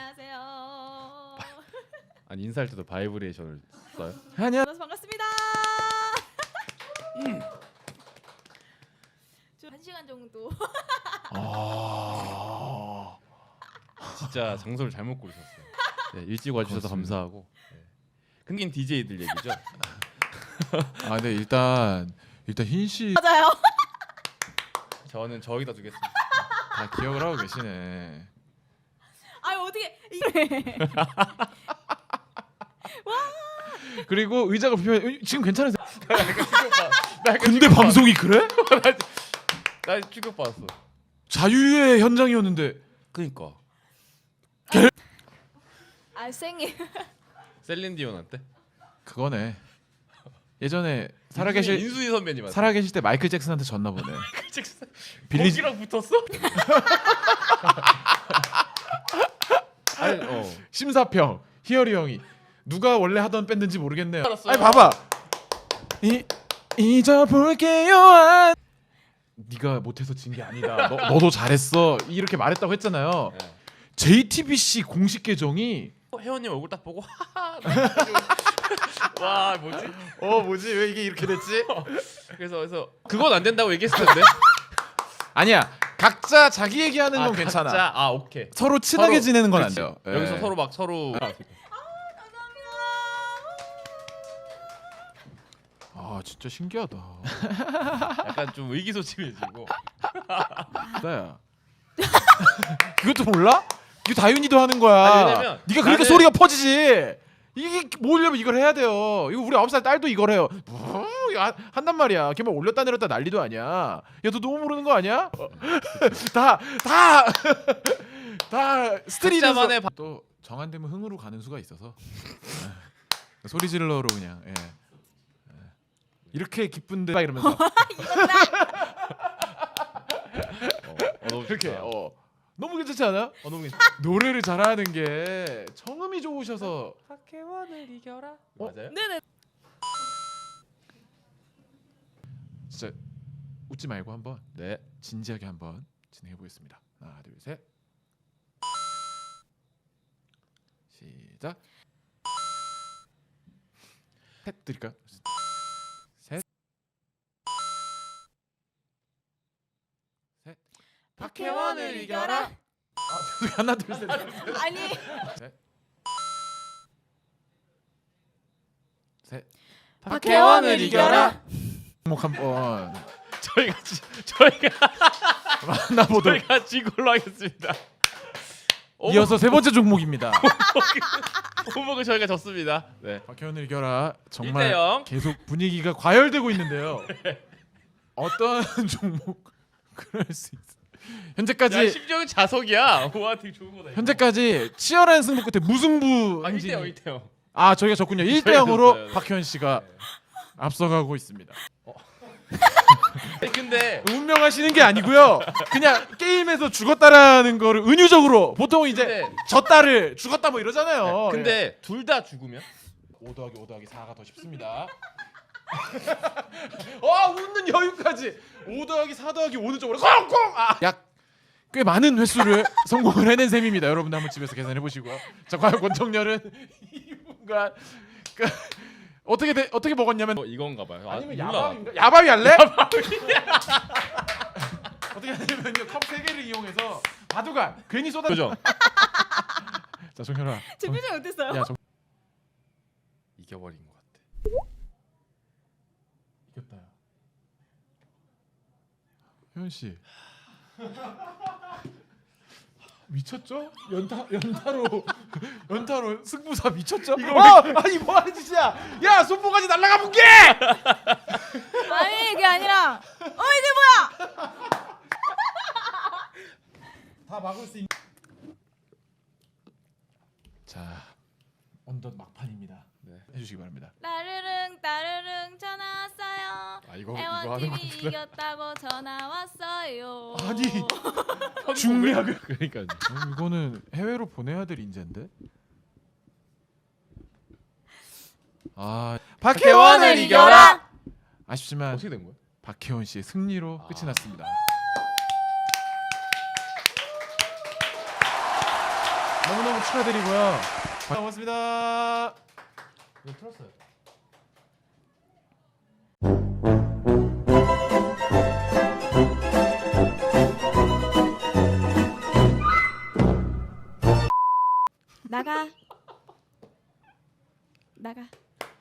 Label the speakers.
Speaker 1: 안녕하세요.
Speaker 2: 아니 인사할 때도 바이브레이션을 써요?
Speaker 1: 만나서 반갑습니다. 좀 1시간 정도.
Speaker 3: 아,
Speaker 2: 진짜 장소를 잘못 고르셨어요. 네, 일찍 와주셔서
Speaker 3: 고맙습니다.
Speaker 2: 감사하고. 네. 끊긴 DJ들 얘기죠.
Speaker 3: 아, 네 일단 흰 씨 다
Speaker 1: 맞아요.
Speaker 2: 저는 저기다 두겠습니다.
Speaker 3: 기억을 하고 계시네.
Speaker 1: 아 어떻게 이래?
Speaker 3: 그리고 의자가 불편해. 지금 괜찮으세요?
Speaker 2: 나 약간
Speaker 3: 근데 방송이 그래?
Speaker 2: 나 충격받았어.
Speaker 3: 자유의 현장이었는데.
Speaker 2: 그니까.
Speaker 1: 아 생일.
Speaker 2: 셀린디온한테?
Speaker 3: 그거네. 예전에 살아계실
Speaker 2: 인수희 선배님한테.
Speaker 3: 살아계실 때 마이클 잭슨한테 졌나 보네. 빌리지
Speaker 2: 거기랑 붙었어? 아니,
Speaker 3: 심사평 희열이 형이 누가 원래 하던 밴드인지 모르겠네요.
Speaker 2: 알았어요.
Speaker 3: 아니 봐봐. 잊어볼게요. 네가 못해서 진 게 아니다. 너도 잘했어. 이렇게 말했다고 했잖아요.
Speaker 2: 네.
Speaker 3: JTBC 공식 계정이
Speaker 2: 회원님 얼굴 딱 보고 와 뭐지?
Speaker 3: 뭐지 왜 이게 이렇게 됐지?
Speaker 2: 그래서 그건 안 된다고 얘기했을 텐데.
Speaker 3: 아니야. 각자 자기 얘기하는 건 괜찮아.
Speaker 2: 각자, 아 오케이.
Speaker 3: 서로 친하게
Speaker 2: 서로,
Speaker 3: 지내는 건 안
Speaker 2: 그렇지.
Speaker 3: 돼요.
Speaker 2: 여기서
Speaker 3: 예.
Speaker 2: 서로 막 서로
Speaker 3: 아 진짜 신기하다.
Speaker 2: 약간 좀 의기소침해지고.
Speaker 3: 나야. 그것도 몰라? 이거 다윤이도 하는 거야.
Speaker 2: 아니, 왜냐면
Speaker 3: 네가 그러니까
Speaker 2: 나는-
Speaker 3: 소리가 퍼지지. 이게 모으려면 이걸 해야 돼요. 이거 우리 9살 딸도 이걸 해요. 한단 말이야. 걔만 올렸다 내렸다 난리도 아니야. 야 너 너무 모르는 거 아니야? 다 스트리트에서
Speaker 2: 각자만의
Speaker 3: 또 정한되면 흥으로 가는 수가 있어서 소리 질러로 그냥 이렇게 기쁜데 막 이러면서
Speaker 2: 너무
Speaker 3: 이렇게
Speaker 2: 좋다.
Speaker 3: 너무 괜찮지 않아?
Speaker 2: 너무 괜찮.
Speaker 3: 노래를 잘하는 게 청음이 좋으셔서
Speaker 2: 박혜원을 이겨라. 맞아요?
Speaker 1: 네네.
Speaker 3: 진짜 웃지 말고 한번
Speaker 2: 네.
Speaker 3: 진지하게 한번 진행해 보겠습니다. 하나, 둘, 셋. 시작. 셋 드릴까요? 셋. 셋.
Speaker 1: 박혜원을 이겨라.
Speaker 3: 하나, 둘, 셋.
Speaker 1: 아니
Speaker 3: 셋.
Speaker 1: 박혜원을 이겨라.
Speaker 3: 목 한번
Speaker 2: 저희가
Speaker 3: 만나보도록.
Speaker 2: 저희가 진 걸로 하겠습니다.
Speaker 3: 이어서 세 번째 종목입니다.
Speaker 2: 호목은 저희가 졌습니다. 네.
Speaker 3: 박혜원을 이겨라. 정말
Speaker 2: 1대0.
Speaker 3: 계속 분위기가 과열되고 있는데요. 어떤 종목 그럴 수 있어.
Speaker 2: 야,
Speaker 3: 현재까지
Speaker 2: 심지어 자석이야. 와 되게 좋은 거다. 이거.
Speaker 3: 현재까지 치열한 승부 끝에 무승부
Speaker 2: 아
Speaker 3: 행진이.
Speaker 2: 1대0 1대0.
Speaker 3: 아 저희가 졌군요. 1대
Speaker 2: 저희가
Speaker 3: 0으로
Speaker 2: 졌어요.
Speaker 3: 박혜원 씨가 앞서가고 있습니다.
Speaker 2: 근데
Speaker 3: 운명하시는 게 아니고요. 그냥 게임에서 죽었다라는 거를 은유적으로 보통 이제
Speaker 2: 근데-
Speaker 3: 졌다를 죽었다 뭐 이러잖아요.
Speaker 2: 근데 둘 다 죽으면
Speaker 3: 5 더하기 5 더하기 4가 더 쉽습니다. 웃는 여유까지 5 더하기 4 더하기 5는 쪽으로 콩콩! 약 꽤 많은 횟수를 성공을 해낸 셈입니다. 여러분들 한번 집에서 계산해 보시고요. 자 과연 권정열은 2분간 어떻게 먹었냐면
Speaker 2: 이건가 봐요.
Speaker 3: 아니면
Speaker 2: 몰라.
Speaker 3: 야바위인가? 야바위 할래? 어떻게 하냐면요 컵 3개를 이용해서 바둑알 괜히 쏟아.
Speaker 2: 그죠?
Speaker 3: 자 정열아.
Speaker 1: 제 표정이 어땠어요?
Speaker 3: 야
Speaker 2: 이겨버린 것 같아.
Speaker 3: 이겼다. 혜원 씨. 미쳤죠? 연타로 승부사 미쳤죠? 아니 뭐 하는 짓이야? 야 손모가지 날라가 볼게!
Speaker 1: 아니 그게 아니라 이게 뭐야?
Speaker 3: 다 막을 수 있는. 자 언덧 막판입니다.
Speaker 2: 네.
Speaker 3: 해주시기 바랍니다.
Speaker 1: 따르릉 따르릉 전화 왔어요.
Speaker 3: 아 이거
Speaker 1: 애원
Speaker 3: 하는
Speaker 1: TV
Speaker 3: 거구나.
Speaker 1: 이겼다고 전화 왔어요.
Speaker 3: 아니 중략을.
Speaker 2: 그러니까
Speaker 3: 이거는 해외로 보내야 될 인재인데.
Speaker 1: 박혜원을 이겨라.
Speaker 3: 아쉽지만
Speaker 2: 어떻게 된 거야?
Speaker 3: 박혜원 씨의 승리로 끝이 났습니다. 너무너무 축하드리고요. 고맙습니다. 이거 틀었어요.